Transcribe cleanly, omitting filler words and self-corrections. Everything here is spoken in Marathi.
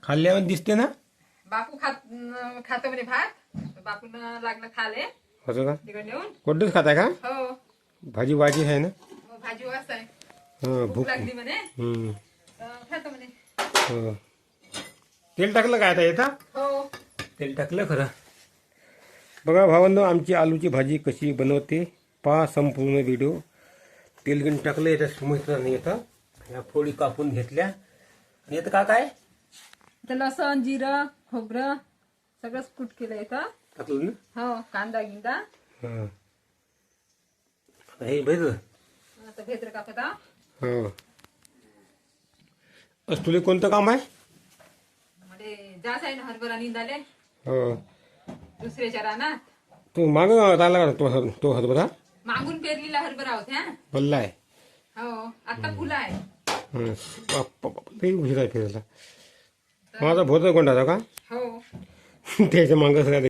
खाल्ल्यावर दिसते ना. बापू खातो म्हणे भात. बापून लागलं खाले असं का तिकडे नेऊन. कोणतंच खाताय का. हो भाजी वाजी आहे ना. भाजी वास आहे. भूक भूक लागली म्हणे. हम्म. खातो म्हणे. हो. तेल टाकलं काय आता येता. हो तेल टाकलं खरं. बघा भावांनो आमची आलूची भाजी कशी बनवते पहा संपूर्ण व्हिडिओ. तेल घेऊन टाकलं येतं समजतं नाही येतं. ह्या फोडी कापून घेतल्या आणि येतं का काय तर लसण जिरं खोबरं सगळंच कूट केलं येतं. टाकलं ना. हो कांदा गिंदा. हां हे भेद. आता भेद्र कापत आहो. हो. आज तुला कोणतं काम आहे. म्हणजे जास आहे ना हरभरा निंदाले हो. दुसऱ्याच्या रानात. तू माग आला का तो हरभरा. मागून पेरलेला हरभरा होत्या. बल्ला आहे. हो आता फुलं आहे. लई उशीर आहे फिरायला. माझा भोर कोंडाचा का हो त्याच्या मागं सगळ्या